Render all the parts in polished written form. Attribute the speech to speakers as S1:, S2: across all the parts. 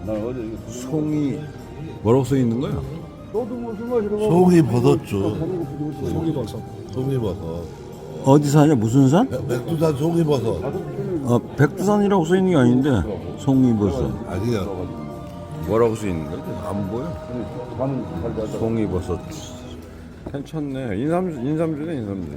S1: 송이 뭐라고 써 있는 거야?
S2: 송이 버섯주. 송이 버섯.
S1: 어디 사냐? 무슨 산?
S2: 백두산 송이 버섯.
S1: 백두산이라고 써 있는 게 아닌데 송이버섯.
S2: 아니야.
S1: 뭐라고 써 있는 거야? 안 보여? 송이버섯. 괜찮네. 인삼주네 인삼주.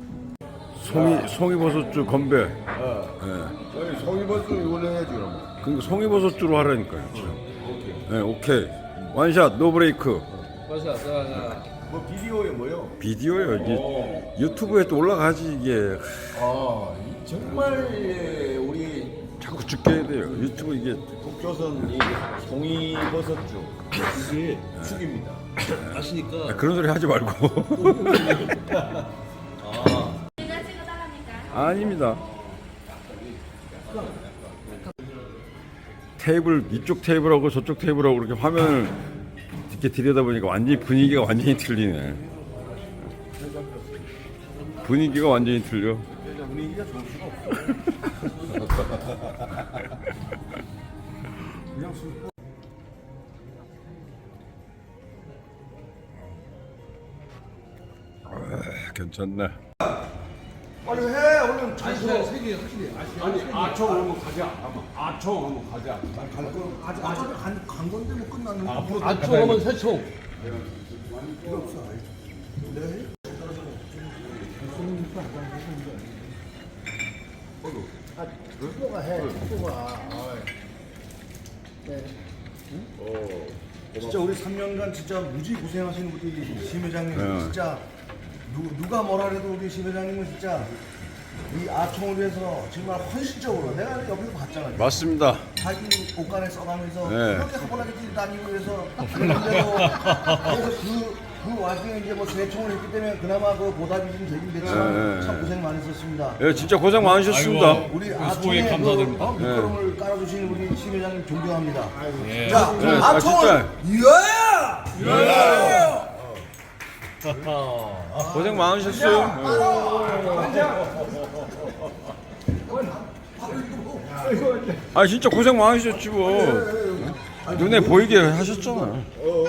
S1: 송이버섯주 건배.
S2: 네. 송이버섯 이걸로 해야지 그럼.
S1: 그러니까 송이버섯주로 하라니까요. 네, 오케이. 원샷 노 브레이크.
S2: 뭐 비디오에 뭐요?
S1: 비디오요. 이게 유튜브에 또 올라가지 이게.
S3: 정말 우리
S1: 자꾸 죽게 해야 돼요. 유튜브 이게.
S3: 북조선 이 송이버섯주 이게 죽입니다. 아시니까
S1: 그런 소리 하지 말고. 아닙니다. 테이블 이쪽 테이블하고 저쪽 테이블하고 이렇게 화면을 이렇게 들여다보니까 완전히 분위기가 완전히 틀리네. 분위기가 완전히 틀려.
S3: 분위기가 좋을 수가 없어.
S1: 괜찮네.
S2: 빨리 해 얼른.
S3: 아니 아청 한번 가자. 아청 한번 가자.
S2: 아직 간 건데 뭐 끝났는데.
S3: 앞으로 아청 하면 새총.
S2: 누가 해. 누가. 진짜 우리 3년간 진짜 무지 고생하시는 우리 심 회장님 진짜 누가 뭐라 해도 우리 심 회장님은 진짜 이 아청을 위해서 정말 헌신적으로 내가 옆에서 봤잖아.
S1: 맞습니다.
S2: 자기 옷간에 써가면서
S1: 네.
S2: 그렇게 하고나게 뛰다니고 해서 그래서 그 와중에 이제 뭐 재총을 했기 때문에 그나마 그 보답이 좀 되긴 됐지만
S1: 네.
S2: 참 고생 많으셨습니다.
S1: 예, 진짜 고생 많으셨습니다.
S2: 우리 아청에 감사드립니다. 밑거름을 깔아주신 우리 심 회장님 존경합니다. 자,
S1: 네,
S2: 아청을
S1: 진짜
S2: 이어야!
S1: 고생 많으셨어요. 아 진짜 고생 많으셨지 뭐. 눈에 보이게 하셨잖아.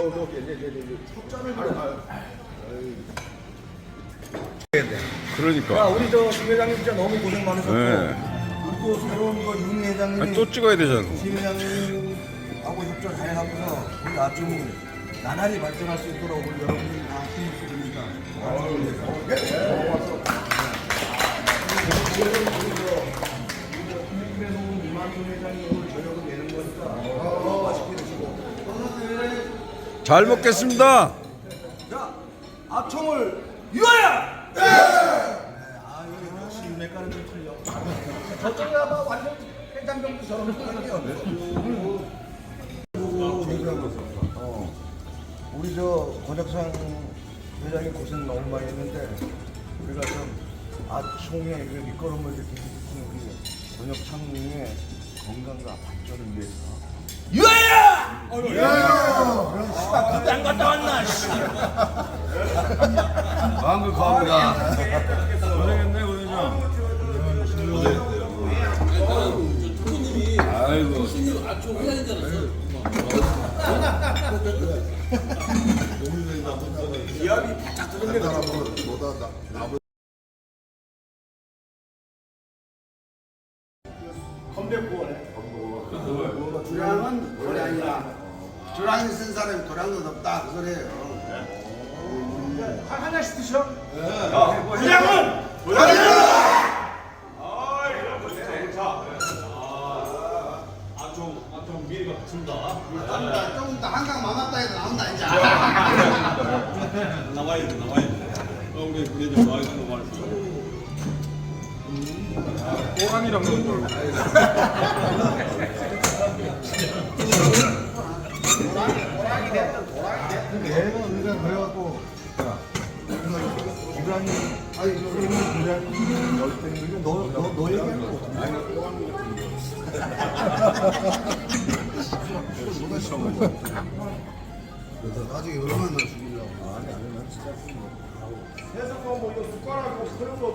S1: 그러니까.
S2: 야, 우리 심 회장님 진짜 너무 고생 많으셨고
S1: 네.
S2: 그리고 또 새로운 거 윤 회장님이
S1: 아니, 또 찍어야 되잖아.
S2: 심 회장님하고 협조 잘 하면서 우리 아청이 나날이 발전할 수 있도록 우리 여러분들이 다 힘을 드립니다.
S1: 잘 먹겠습니다.
S2: 자, 아청을 유하야! 네! 아, 여기 역시 윤회가는 좀 틀려. 저쪽에 아마 완전 해장병도 저런 거예요. 우리 저 권혁상 회장이 고생 너무 많이 했는데 우리가 좀 아청의 그 밑거름을 이렇게 일으키는 우리 권혁상의 건강과 발전을 위해서 유하야! 유하야! 씨발 그때 안 갔다 왔나?
S3: 방금 갑니다.
S1: 고생했네 고생장.
S3: 아이고. 아청 회장인 줄 알았어.
S2: 기압이 바짝 뜨는 게 나보다
S4: 도량은 도량이라 도량이 쓴 사람이 도량은 없다 그 소리예요.
S2: 하나씩 드셔.
S4: 도량은 도량이라.
S3: 아청 미래가 붙습니다.
S4: 조금 더 한강 막았다 해도 나온다 이제.
S3: 나와야 돼. 우리 그래도 나와야 되는 거 말이야.
S1: 호감이랑 그런 걸.
S2: 얘가 우리가 그래갖고 기관이 아니 선생님 기관이 열등이 너 얘기하는 거 그래서 나중에 얼마나 죽이려고. 아니 난 진짜 해석과 뭐 이거 숟가락 뭐 그런 거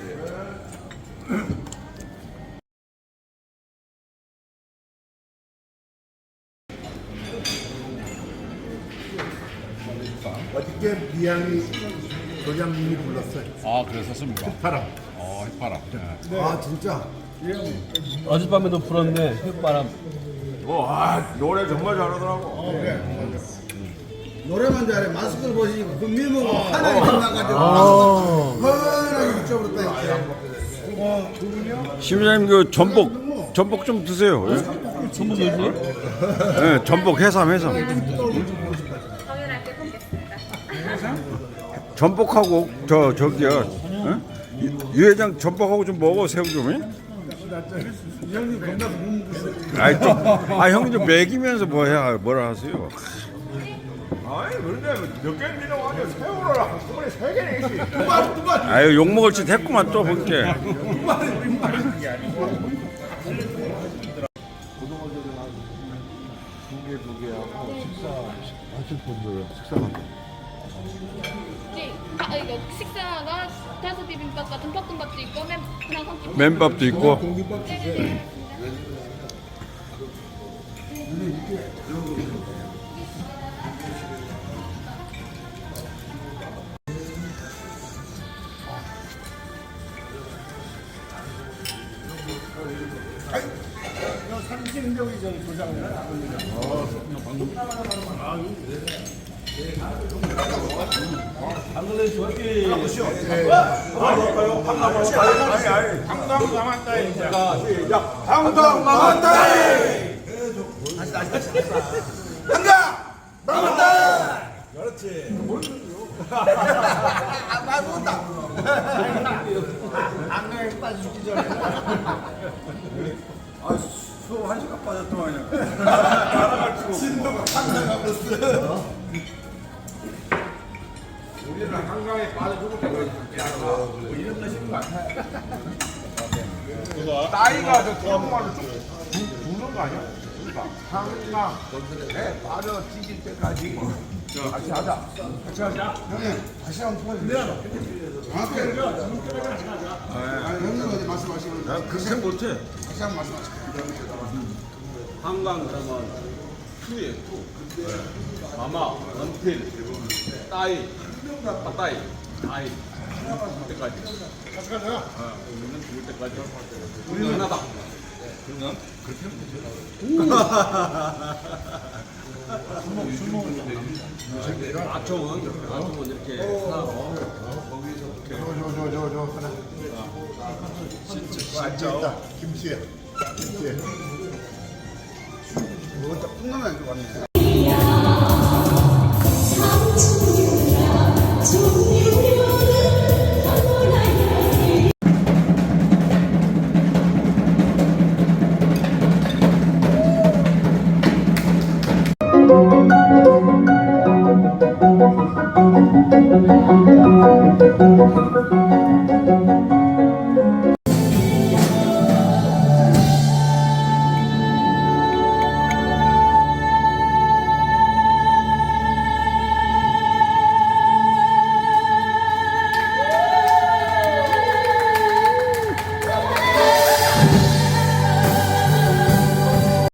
S2: 없어요.
S5: 그때 미양이 도장님이 불렀어요.
S3: 아 그랬었습니까?
S5: 바람.
S3: 휘파람. 네.
S2: 아 진짜.
S6: 어젯밤에도 불었네 휘바람.
S1: 노래 정말 잘하더라고.
S4: 노래만 잘해. 마스크를 보시니까 그 미모가 하나에 끝나가지고 뻔하게 붙여버렸다.
S1: 심장님 그 전복 좀 드세요. 예?
S6: 전부 요즘?
S1: 예, 전복 해삼.
S7: 당연하게 굽겠습니다.
S1: 전복하고 저기요. 예? 유 회장 전복하고 좀 먹어 새우 좀. 예? 형님 좀 먹이면서 뭐라 하세요.
S3: 아니 그런데 몇 개를 밀려고 하죠. 새우를 한꺼번에 3개나 있지.
S1: 아유 욕 먹을 짓 했구만 또 볼게.
S7: 네, 이거 식사가 다섯 비빔밥과 듬밥도 있고 그냥 성김.
S1: 맨밥도 있고.
S7: 네네네.
S4: 방방 나왔다. 한가 나왔다. 그렇지. 말 못다. 안경에 빠져 죽기 전에.
S1: 수업 1시간 빠졌더만요.
S4: 진도가 한가가 버렸어.
S3: 우리는 한강에 빠져 죽을 때까지 뭐 이런 것인 거 같아. 따위가 저 정말로 죽는 거 아니야? 그러니까 한강에 빠져 찢을 때까지 같이 하자.
S4: 형님 다시 한번 풀어주세요. 정확하게. 형님 어디 말씀하시는 거?
S1: 그렇게 못해.
S4: 다시 한번 말씀하시죠.
S3: 한강 그러면 투에 투. 마마, 연필, 따위, 따위, 따위. 죽을 때까지. 같이 가자. 우리는 죽을 때까지. 우리는 하나다. 그러면 그렇게 하면 아청은 이렇게 하고
S5: 저 하나. 진짜 김치야. 김치야.
S4: 그것도 콩나물 안좋네
S7: 네.